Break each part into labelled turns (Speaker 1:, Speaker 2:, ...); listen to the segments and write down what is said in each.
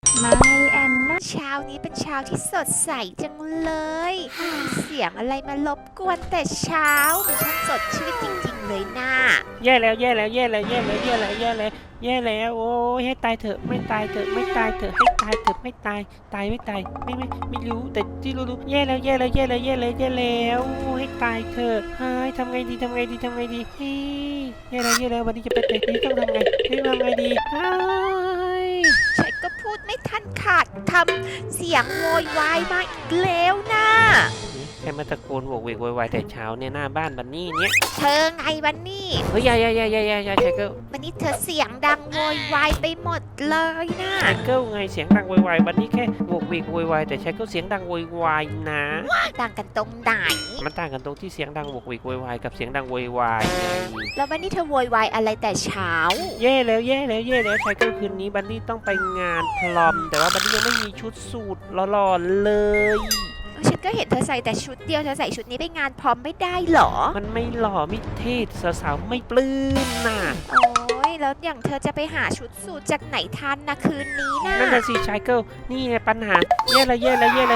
Speaker 1: ไม่แอนนะเช้านี้เป็นเช้าที่สดใสจังเลยเสียงอะไรมารบกวนแต่เช้ามันช่างสดชื่นจริงๆเลยน่า
Speaker 2: แย่แล้วแย่แล้วแย่แล้วแย่แล้วแย่แล้วแย่แล้วแย่แล้วโอ้ยให้ตายเถอะไม่ตายเถอะไม่ตายเถอะให้ตายเถอะไม่ตายตายไม่ตายไม่รู้แต่ที่รู้แย่แล้วแย่แล้วแย่แล้วแย่แล้วแย่แล้วให้ตายเถอะเฮ้ยทำไงดีเฮ้ยแย่แล้ววันนี้จะไปไหนดีต้องทำไงดีเฮ้ย
Speaker 1: ฉันก็พูดไม่ทันขาดคำเสียงโวยวายมาอีกแล้วน่ะ
Speaker 2: ใครมาตะโกนโวกเวกโวยวายแต่เช้าเนี่ยหน้าบ้านบันนี่เนี่ย
Speaker 1: เธอไงบันนี่
Speaker 2: เฮ้ยอย่าไชเกิล
Speaker 1: บันนี่เธอเสียงดังโวยวายไปหมดเลยน่ะ
Speaker 2: ไชเกิลไงเสียงดังโวยวายบันนี่แค่โวกเวกโวยวายแต่ไชเกิลเสียงดังโวยวายนะ
Speaker 1: ต่างกันตรงไหน
Speaker 2: มันต่างกันตรงที่เสียงดังโวกเวกโวยวายกับเสียงดังโวยวายไง
Speaker 1: แล้วบันนี่เธอโวยวายอะไรแต่เช้า
Speaker 2: แย่แล้วไชเกิลคืนนี้บันนี่ต้องไปงานพลอมแต่ว่าบันนี่ยังไม่มีชุดสูทหล่อๆเลย
Speaker 1: ฉันก็เห็นเธอใส่แต่ชุดเดียวเธอใส่ชุดนี้ไปงานพร้อมไม่ได้หรอ
Speaker 2: มันไม่หล่อไม่เท่สาวๆไม่ปลื้มน่ะ
Speaker 1: โอ้ยแล้วอย่างเธอจะไปหาชุดสูทจากไหนทันนะคืนนี้นะ
Speaker 2: นั่นน่ะสิไชเกิลนี่ไงปัญหาแย่แล้ว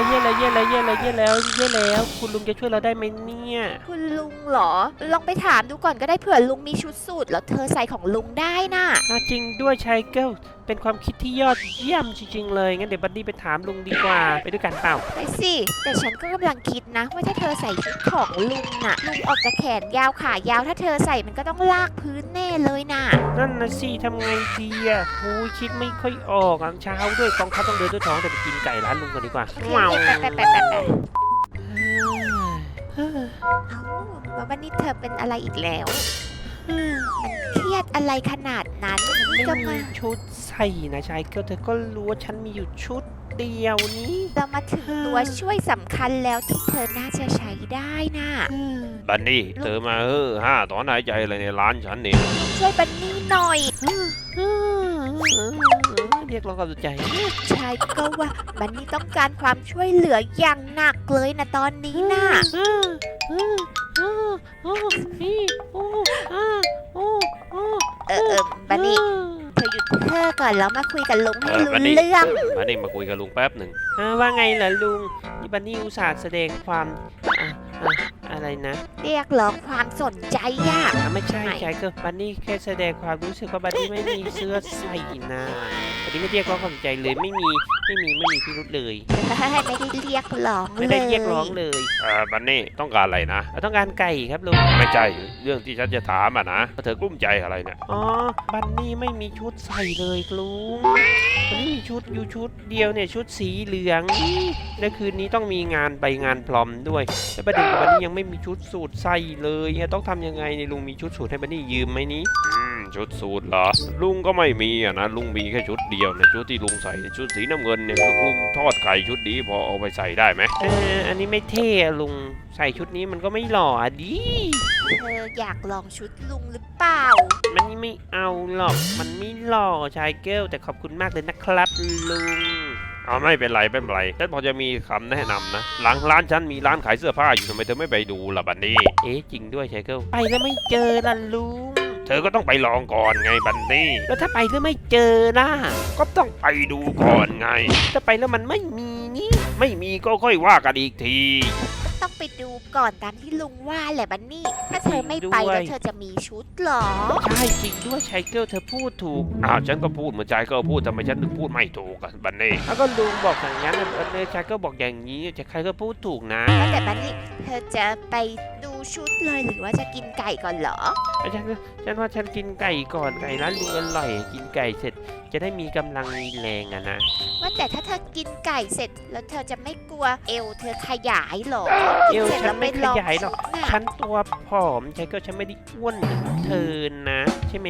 Speaker 2: คุณลุงจะช่วยเราได้ไหมเนี่ย
Speaker 1: คุณลุงเหรอลองไปถามดูก่อนก็ได้เผื่อลุงมีชุดสูทแล้วเธอใส่ของลุงได้น่ะ
Speaker 2: จริงด้วยไชเกิลเป็นความคิดที่ยอดเยี่ยมจริงๆเลยงั้นเดี๋ยวบัดดี้ไปถามลุงดีกว่าไปด้วยกันเปล่า
Speaker 1: ไปสิแต่ฉันก็กำลังคิดนะว่าถ้าเธอใส่ชุดของลุงน่ะลุงออกจากแขนยาวขายาวถ้าเธอใส่มันก็ต้องลากพื้นแน่เลยน่ะ
Speaker 2: นั่นนะสิทำไงดีอ่ะโอ้ยคิดไม่ค่อยออกเช้าด้วยกองทัพต้องเดินด้วยท้องแต่ไปกินไก่ร้านลุงกันดีกว่า
Speaker 1: ว้าวไปแล้ววันนี้เธอเป็นอะไรอีกแล้วมันเครียดอะไรขนาดนั้น
Speaker 2: ไม่มีชุดใส่นะชายเกิลเธอก็รู้ว่าฉันมีอยู่ชุดเดียวนี้
Speaker 1: เรามาถึงตัวช่วยสำคัญแล้วที่เธอน่าจะใช้ได้น่ะ
Speaker 3: บันนี่เธอมาถอนหายใจอะไรในร้านฉันนี่
Speaker 1: ช่วยบันนี่หน่อย
Speaker 2: เรียกร้องความสนใจ
Speaker 1: ชายก็ว่าบันนี่ต้องการความช่วยเหลืออย่างหนักเลยนะตอนนี้น่ะบันนี่เธอหยุดเธอก่อนแล้วมาคุยกับลุงให้รู้เรื่อง
Speaker 3: บันนี่มาคุยกับลุงแป๊บหนึ่ง
Speaker 2: ว่าไงล่ะลุงนี่บันนี่อุตส่าห์แสดงความอะไรนะ
Speaker 1: เรียกร้องความสนใจอ่ะ
Speaker 2: ไม่ใช่ก็บันนี่แค่แสดงความรู้สึกว่าบันนี่ไม่มีเสื้อใส่นะบันนี่ไม่เรียกร้องความสนใจเลยไม่มีพิรุธเลย
Speaker 1: ไม่ได้เรียกร้อง
Speaker 2: ไม่ได้เรียกร้องเลย
Speaker 3: บันนี่ต้องการอะไรนะ
Speaker 2: ต้องการไก่ครับลุง
Speaker 3: ไม่ใช่เรื่องที่ฉันจะถามนะเธอกลุ้มใจอะไรเนี่ย
Speaker 2: บันนี่ไม่มีชุดใส่เลยลุงบันนี่มีชุดอยู่ชุดเดียวเนี่ยชุดสีเหลืองและคืนนี้ต้องมีงานไปงานพรอมด้วยและประเด็นกับบันนี่ยังไม่มีชุดสูทใส่เลยต้องทำยังไงเนี่ยลุงมีชุดสูทให้บันนี่ยืมไหมนี้
Speaker 3: ชุดสูทเหรอลุงก็ไม่มีนะลุงมีแค่ชุดเดียวเนี่ยชุดที่ลุงใส่ชุดสีน้ำเงินเนี่ยลุงทอดไข่ชุดนี้พอเอาไปใส่ได้ไหม
Speaker 2: อันนี้ไม่เท่ลุงใส่ชุดนี้มันก็ไม่หล่อดิ
Speaker 1: เธออยากลองชุดลุงหรือเปล่า
Speaker 2: มันไม่เอาหรอกมันไม่หล่อชายเกิลแต่ขอบคุณมากเลยนะครับลุง
Speaker 3: ไม่เป็นไรฉันพอจะมีคำแนะนำนะหลังร้านฉันมีร้านขายเสื้อผ้าอยู่ทำไมเธอไม่ไปดูล่ะบันนี่
Speaker 2: จริงด้วยชายเกิลไปแล้วไม่เจอล่ะลุง
Speaker 3: เธอก็ต้องไปลองก่อนไงบันนี่
Speaker 2: แล้วถ้าไปแล้วไม่เจอล่ะ
Speaker 3: ก็ต้องไปดูก่อนไง
Speaker 2: ถ้าไปแล้วมันไม่มีนี่
Speaker 3: ไม่มีก็ค่อยว่ากันอีกที
Speaker 1: ต้องไปดูก่อนตามที่ลุงว่าแหละบันนี่ถ้าเธอไม่ไปแล้วเธอจะมีชุดหรอ
Speaker 2: ใช่จริงด้วยชายเกิลเธอพูดถูก
Speaker 3: ฉันก็พูดเหมือนชายเกิลพูดทำไมฉันถึงพูดไม่ถูกกันบันนี่
Speaker 2: ก็ลุงบอกอย่างนั้นชายเกิลบอกอย่างนี้จะใครก็พูดถูกนะ
Speaker 1: แต่บันนี่เธอจะไปดูชุดเลยหรือว่าจะกินไก่ก่อนเหรอ
Speaker 2: ฉันว่าฉันกินไก่ก่อนไก่ร้านลุงอร่อยกินไก่เสร็จจะได้มีกำลังมีแรงนะ
Speaker 1: ว่าแต่ถ้าเธอกินไก่เสร็จแล้วเธอจะไม่กลัวเอวเธอขยายหรอ
Speaker 2: เอวฉันไม่ขยายหรอกฉันตัวผอมใช่ก็ฉันไม่ได้อ้วนเธอนะใช่ไหม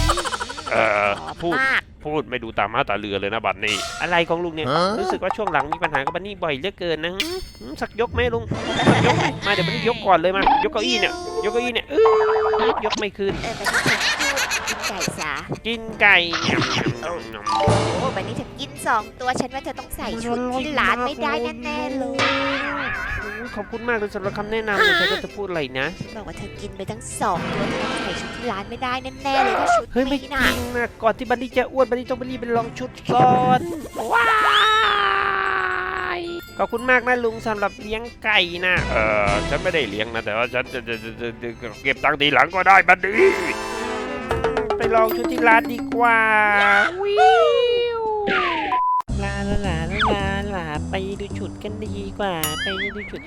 Speaker 3: พูดไม่ดูตามาตาเรือเลยนะบัดนี้
Speaker 2: อะไรของลุงเนี่ยรู้สึกว่าช่วงหลังมีปัญหากับบันนี่บ่อยเหลือเกินนะสักยกไหมลุงยกมาเดี๋ยวบันนี่ยกก่อนเลยมายกเก้าอี้เนี่ยยกไม่ขึ้น
Speaker 1: กินไก่ซะ
Speaker 2: กินไก่
Speaker 1: โอ้บันนี่เธอกิน2ตัวฉันว่าเธอต้องใส่ชุดที่ร้านไม่ได้แน่ๆเลย
Speaker 2: ขอบคุณมากเลยสำหรับคำแนะนำเลยฉันจะพูดอะไรนะ
Speaker 1: บอกว่าเธอกินไปทั้ง2ตัวเธอต้องใส่ชุดที่ร้านไม่ได้แน่ๆเลยถ้าชุด
Speaker 2: ไม่จริงนะก่อนที่บันนี่จะอ้วนบันนี่ต้องไปรีบไปลองชุดก่อน
Speaker 1: ว้า
Speaker 2: อบคุณมากนะลุงสำหรับเลี้ยงไก่นะ
Speaker 3: ฉันไม่ได้เลี้ยงนะแต่ว่าฉันจะเก็บตังค์ทีหลังก็ได้บัดนี้
Speaker 2: ไปลองชุดที่ร้านดีกว่าวิวลาลาลาลาลาไปดูชุดกันดีกว่าไปดูชุด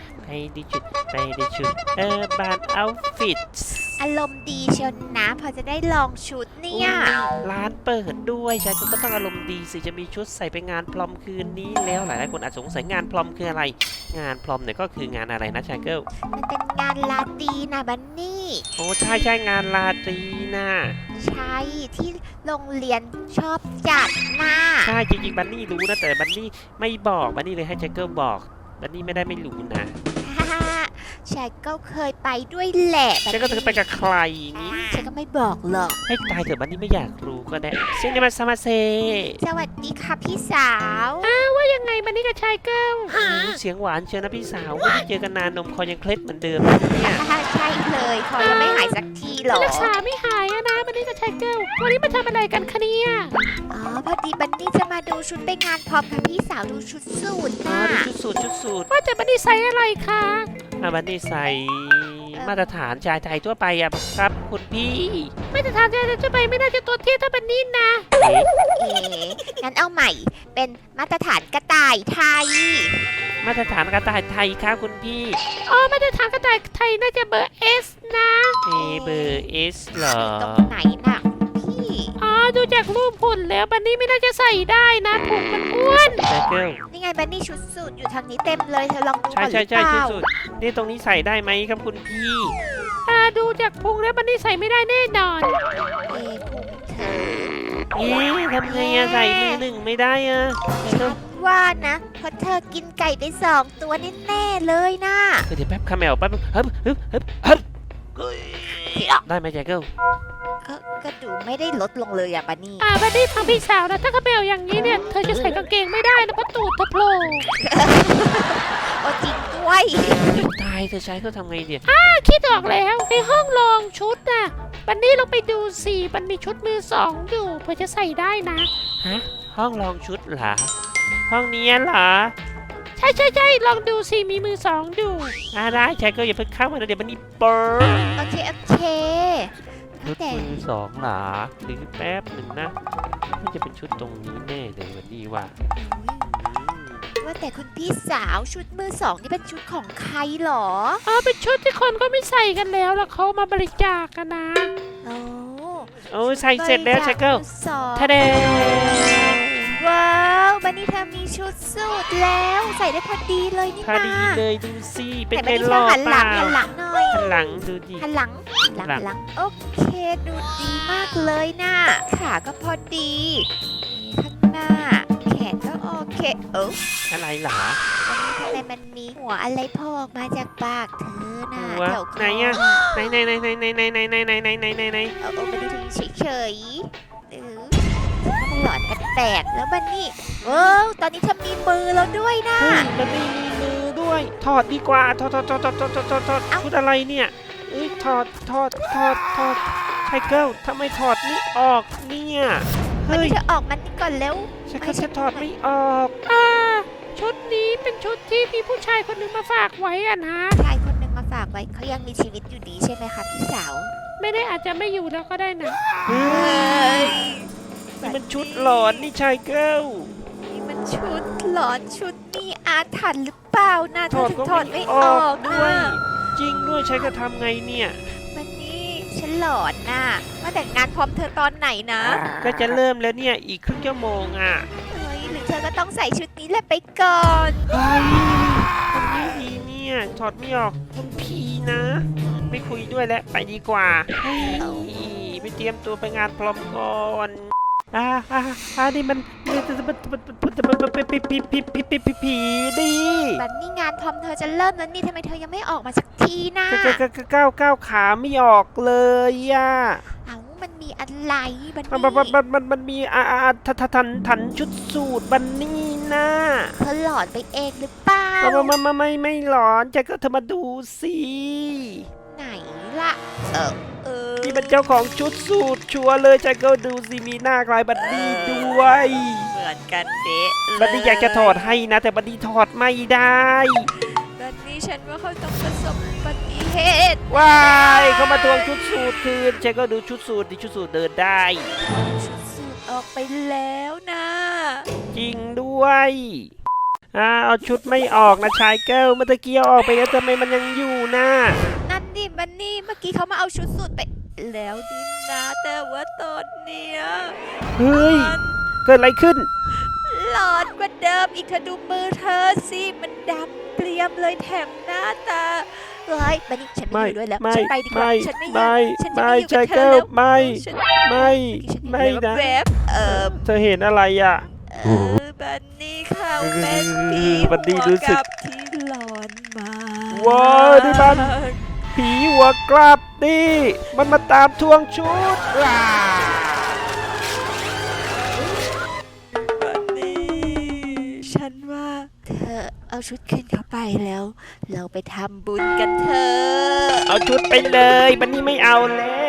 Speaker 2: บาร์เอาฟิต
Speaker 1: อารมณ์ดีเชียวนะพอจะได้ลองชุดเนี่ย
Speaker 2: ร้านเปิดด้วยชายก็ต้องอารมณ์ดีสิจะมีชุดใส่ไปงานพรอมคืนนี้แล้วหลายๆคนอาจสงสัยงานพรอมคืออะไร งานพรอมเนี่ยก็คืองานอะไรนะชายเกิล
Speaker 1: มันเป็นงานลาตรีนะบันนี่
Speaker 2: โอ้ใช่งานราตรีนะ
Speaker 1: ใช่ที่โรงเรียนชอบจัดนะ
Speaker 2: ใช่จริงๆบันนี่รู้นะแต่บันนี่ไม่บอกบันนี่เลยให้ชายเกิลบอกบันนี่ไม่ได้ไม่รู้นะ
Speaker 1: ฮ่าฉันก็เคยไปด้วยแหละ
Speaker 2: ฉันก็จะไปกับใครนี่
Speaker 1: ฉันก็ไม่บอกหรอก
Speaker 2: ให้ตายเถอะบันนี่ไม่อยากรู้ก็ได้เช่นนี้มาซามาเซ
Speaker 1: สวัสดีค่ะพี่สาว
Speaker 2: ว่ายังไงบันนี่กับชายเกิลเสียงหวานเชียวนะพี่สาวไม่ได้เจอกันนานนมคอยังเคล็ดเหมือนเดิมเนี่ย
Speaker 1: ใช่เลยคอยังไม่หายสักทีหรอ
Speaker 4: รักษาไม่หายอะนะบันนี่กับชายเกิลวันนี้มาทำอะไรกันคะเนี่ย
Speaker 1: อ๋อพอดีบันนี่จะมาดูชุดไปงานพร้อมกับพี่สาวดูชุดสูท
Speaker 2: อ๋อ
Speaker 1: นะ
Speaker 2: ดูชุดสูท
Speaker 4: ว่าแต่บันนี่ใส่อะไรคะ
Speaker 2: บันนี่ใส่มาตรฐานชายไทยทั่วไปอะครับคุณพี่
Speaker 4: ไม่จะทานจะไปไม่น่าจะตัวเทียบเท่าบันนี่นะ
Speaker 2: เอ๊ะ
Speaker 1: เอ๋งั้นเอาใหม่เป็นมาตรฐานกระต่ายไทย
Speaker 2: มาตรฐานกระต่ายไทยครับคุณพี่
Speaker 4: อ๋อมาจะทานกระต่ายไทยน่าจะเบอร์เอสนะ
Speaker 2: เบอร์เอสเหรอ
Speaker 1: ตรงไหนน่ะพี่
Speaker 4: อ๋อดูจากรูปหุ่นแล้วบันนี่ไม่น่าจะใส่ได้นะพุงมันอ้วน
Speaker 2: ชายเกิล
Speaker 1: นี่ไงบันนี่ชุดสูทอยู่ทางนี้เต็มเลยเธอลองดู
Speaker 2: ใช่
Speaker 1: ก่อนหรือ
Speaker 2: ใช่
Speaker 1: เปล่า
Speaker 2: ชุดนี่ตรงนี้ใส่ได้ไหมครับคุณพี่
Speaker 4: ดูจากพุงแล้วบันนี่ใส่ไม่ได้แน่นอน
Speaker 1: พุงเธอ
Speaker 2: ทำไงอะใส่มือหนึ่งไม่ได้อะ
Speaker 1: ฉันว่านะเพราะเธอกินไก่ไป2 ตัวแน่ๆเลยนะ
Speaker 2: เดี๋ยวแป๊บคาแมวแป๊บได้ไหมชายเกิล
Speaker 1: ก็ดูไม่ได้ลดลงเลยอะบันนี่
Speaker 4: บันนี่ฟังพี่สาวนะถ้าเขาเบลอย่างนี้เนี่ยเธอจะใส่กางเกงไม่ได้นะเพราะตูดเธอโผล่
Speaker 1: โอ้จริงด้วย
Speaker 2: ตายเธอใช้เขาทำไงเดี๋ยว
Speaker 4: คิดออกแล้วในห้องลองชุดน่ะบันนี่ลองไปดูสิมันมีชุดมือสองอยู่เพื่อจะใส่ได้นะ
Speaker 2: ฮะห้องลองชุดเหรอห้องนี้เหรอ
Speaker 4: ใช่ลองดูสิมีมือสองอยู่
Speaker 2: ได้ชายเกิลอย่าเพิ่งเข้ามานะเดี๋ยวมันนี่เปิด
Speaker 1: โอเค
Speaker 2: ชุด
Speaker 1: แต่
Speaker 2: มือสองเหรอหรือแป๊บหนึ่งนะมันจะเป็นชุดตรงนี้แน่เลยวันนี้ว่า
Speaker 1: ว่าแต่คุณพี่สาวชุดมือ2นี่เป็นชุดของใครหรอ
Speaker 4: เป็นชุดที่คนก็ไม่ใส่กันแล้วแล้วเขามาบริจาคกันนะ
Speaker 1: โอ้
Speaker 2: โอ้ใส่เสร็จแล้วชายเกิล
Speaker 1: มือสอง
Speaker 2: ทะเด
Speaker 1: ว้าวบันนี่เธอมีชุดสูทแล้วใส่ได้พอดีเลยนี่
Speaker 2: พอ
Speaker 1: นะ
Speaker 2: ดีเลยดูสิเป็น
Speaker 1: แต่
Speaker 2: ไง
Speaker 1: บันนี่
Speaker 2: หล่อ
Speaker 1: หัน
Speaker 2: เป
Speaker 1: หลั
Speaker 2: ล่าง
Speaker 1: หันหลังหน่อย
Speaker 2: หันหลังดูดิ
Speaker 1: หันหลังโอเคดูดีมากเลยนะขาก็พอดีนี่ข้างหน้าแขนก็โอเค
Speaker 2: อะไรเหรอ
Speaker 1: วันนี้ทำไมมันมีหัวอะไรโผล่ออกมาจากปากเธอน่ะ
Speaker 2: หัว
Speaker 1: แถวคอ
Speaker 2: ไหนอะ ไหนมัน
Speaker 1: ไม่ได้ถึงเฉยๆหรือถ้ามันหลอนกันแตกแล้วบันนี่ตอนนี้เธอมีมือแล้วด้วยนะ
Speaker 2: เฮ้ยมันไม่มีมือด้วย ถอดดีกว่า ถอดชุดอะไรเนี่ยถอดไทเกิลทำไมถอดไม่ออกเนี่ย
Speaker 1: บัน
Speaker 2: เฮ้ย
Speaker 1: นี่เธอออกมันนี่ก่อนแล้ว
Speaker 2: ฉันถอดไม่ออก
Speaker 4: ชุดนี้เป็นชุดที่มีผู้ชายคนหนึ่งมาฝากไว้อะนะ
Speaker 1: ชายคนหนึ่งมาฝากไว้เขายังมีชีวิตอยู่ดีใช่ไหมคะพี่สาว
Speaker 4: ไม่ได้อาจจะไม่อยู่แล้วก็ได้นะ
Speaker 2: เฮ้ยนี่มันชุดหลอนนี่ชายเกิล
Speaker 1: นี่มันชุดหลอนชุดมีอาถรรพ์หรือเปล่านะเธอถึงถอดไม่ออก
Speaker 2: ด้วย
Speaker 1: นะ
Speaker 2: จริงด้วยใช้ก็ทำไงเนี่ย
Speaker 1: มันนี่ฉันหลอนน่ะมาแต่งงานพร้อมเธอตอนไหนนะ
Speaker 2: ก็จะเริ่มแล้วเนี่ยอีกครึ่งชั่วโมงอ่ะ
Speaker 1: เฮ้ยหรือเธอก็ต้องใส่ชุดนี้แหละไปก่อน
Speaker 2: เฮ้ยทำไม่ดีเนี่ยถอดไม่ออกคุณพีนะ ไม่คุยด้วยแล้วไปดีกว่าเฮ้ยไปเตรียมตัวไปงานพร้อมก่อนนี่มันผีดิ
Speaker 1: บันนี่งานพร้อมเธอจะเริ่มแล้วนี่ทำไมเธอยังไม่ออกมาสักทีนะ
Speaker 2: ก้าวขาไม่ออกเลยอ่ะ
Speaker 1: เอ้ามันมีอะไรบัน
Speaker 2: มันมีทันชุดสูตรบันนี่นะ
Speaker 1: เธอหลอนไปเองหรือเปล่า
Speaker 2: ไม่หลอนจะก็เธอมาดูสิ
Speaker 1: ไหนล่ะ
Speaker 2: นี่เป็นเจ้าของชุดสูตรชัวร์เลยจะก็ดูสิมีหน้าคล้ายบันนี่ด้วย
Speaker 1: มือนกันเด๊ะเลย
Speaker 2: บันนี่อยากจะถอดให้นะ แต่บันนี่ถอดไม่ได้
Speaker 1: บันนี่ฉันว่าเขาต้องประสบอุบัติเหตุ
Speaker 2: ว้ายเขามาทวงชุดสูทคืนฉันก็ดูชุดสูทดิชุดสูทเดินได้
Speaker 1: ชุดสูทออกไปแล้วนะ
Speaker 2: จริงด้วยเอาชุดไม่ออกนะชายเกิลเมื่อตะกี้เอาออกไปแล้วทำไมมันยังอยู่นะ
Speaker 1: นั่นดิบันนี่เมื่อกี้เขามาเอาชุดสูทไปแล้วดินะแต่ว่าตอนเนี้ย
Speaker 2: เฮ้ย เกิดอะไรขึ้น
Speaker 1: หลอนกว่าเดิมอีกเธอดูมือเธอสิมันดำเกรียมเลยแถมหน้าตาเฮ้ยบันนี่ฉันไม่อยู่ด้วยแล้วฉันไปดีกว่าฉันไม่อยู่ฉันจะไม่อยู่กับเธอแล้ว
Speaker 2: ไม่
Speaker 1: ฉัน
Speaker 2: ไม่ไม่นะ
Speaker 1: แวบ
Speaker 2: เธอเห็นอะไรอ่ะ
Speaker 1: บันนี่เขาเป็นผี
Speaker 2: บันนี่
Speaker 1: หัว
Speaker 2: รู้สึก
Speaker 1: กับที่หลอนมา
Speaker 2: ว้าวนี่มัน ผีหัวกลับนี่มันมาตามทวงชุด
Speaker 1: บันนี่ฉันว่าเธอเอาชุดคืนเขาไปแล้ว เราไปทำบุญกันเถอะ
Speaker 2: เอาชุดไปเลยบันนี่ไม่เอาแล้